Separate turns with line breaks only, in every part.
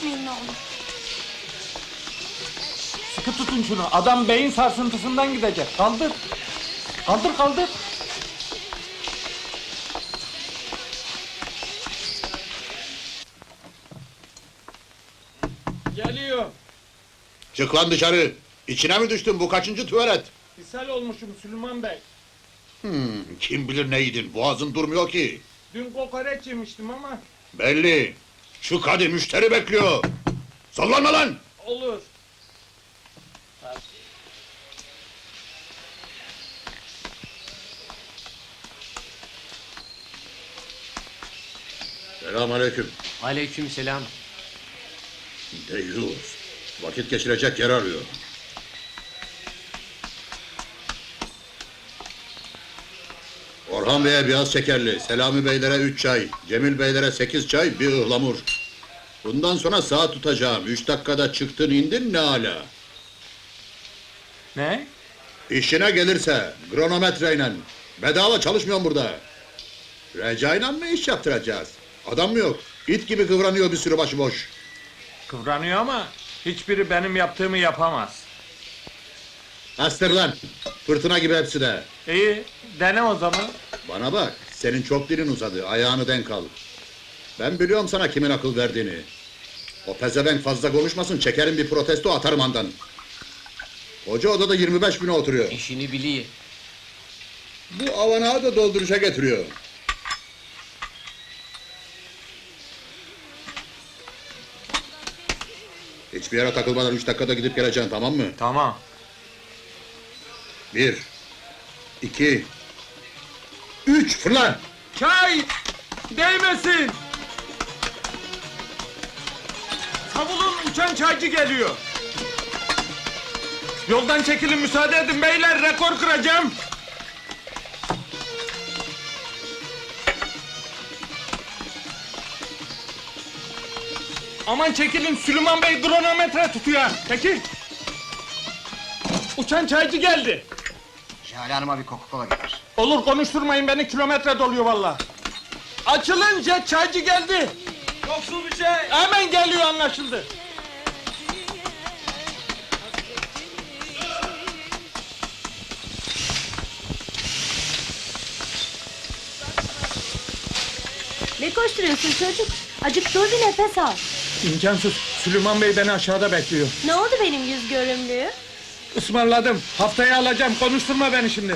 geçmeyin ne olur.
Sıkı tutun şunu. Adam beyin sarsıntısından gidecek. Kaldır. Kaldır kaldır. Geliyor.
Çık lan dışarı! İçine mi düştün, bu kaçıncı tuvalet?
İshal olmuşum Süleyman Bey.
Kim bilir ne yedin, boğazın durmuyor ki.
Dün kokoreç yemiştim ama
Belli! Çık hadi, müşteri bekliyor! Sallanma lan!
olur.
Selamünaleyküm.
Aleykümselam.
Deyyus! Vakit geçirecek yer arıyor. Orhan Bey'e biraz şekerli, Selami Beylere 3 çay, Cemil Beylere 8 çay, bir ıhlamur. Bundan sonra saat tutacağım, 3 dakikada çıktın indin ne ala.
Ne?
İşine gelirse, kronometreyle. Bedava çalışmıyorum burada. Recai'yle mı iş yaptıracağız? Adam mı yok? İt gibi kıvranıyor bir sürü başıboş.
Kıvranıyor ama hiçbiri benim yaptığımı yapamaz.
Astır lan! Fırtına gibi hepsi de.
İyi, dene o zaman.
Bana bak, senin çok dilin uzadı, ayağını denk al. Ben biliyorum sana kimin akıl verdiğini. O pezevenk fazla konuşmasın, çekerim bir protesto atarım andan. Koca odada 25 bine oturuyor.
İşini biliyor.
Bu avanağı da dolduruşa getiriyor. Hiçbir yere takılmadan 3 dakikada gidip geleceksin, tamam mı?
Tamam.
1 2 3 fırla!
Çay! Değmesin! Savulun, uçan çaycı geliyor. Yoldan çekilin, müsaade edin beyler, rekor kıracağım. Aman çekilin, Süleyman Bey kronometre tutuyor. Çekil! Uçan çaycı geldi.
Şahane Hanım'a bir Coca-Cola getir.
Olur, konuşturmayın beni, kilometre doluyor vallahi. Açılınca çaycı geldi. Yoksul bir şey. Hemen geliyor, anlaşıldı.
Ne koşturuyorsun çocuk? Acık dur bir nefes al.
İmkansız, Süleyman Bey beni aşağıda bekliyor.
Ne oldu benim yüz görümlüğü?
Ismarladım, haftaya alacağım, konuşturma beni şimdi.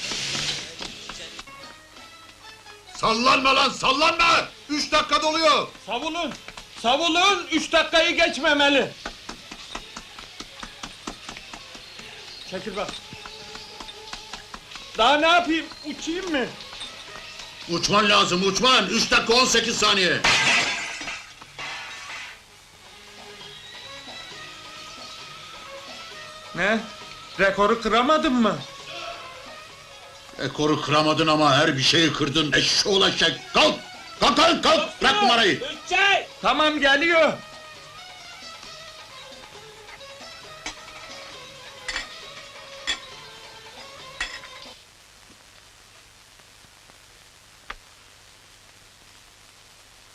Sallanma lan, sallanma! 3 dakika doluyor!
Savulun, savulun, 3 dakikayı geçmemeli. Çekil bak. Daha ne yapayım, uçayım mı?
Uçman lazım, uçman! 3 dakika 18 saniye!
Ne? Rekoru kıramadın mı?
Ekoru kıramadın ama her bir şeyi kırdın, eşşoğlu eşek! Kalk! Kalk kalk kalk! Bırak numarayı!
Tamam, geliyor.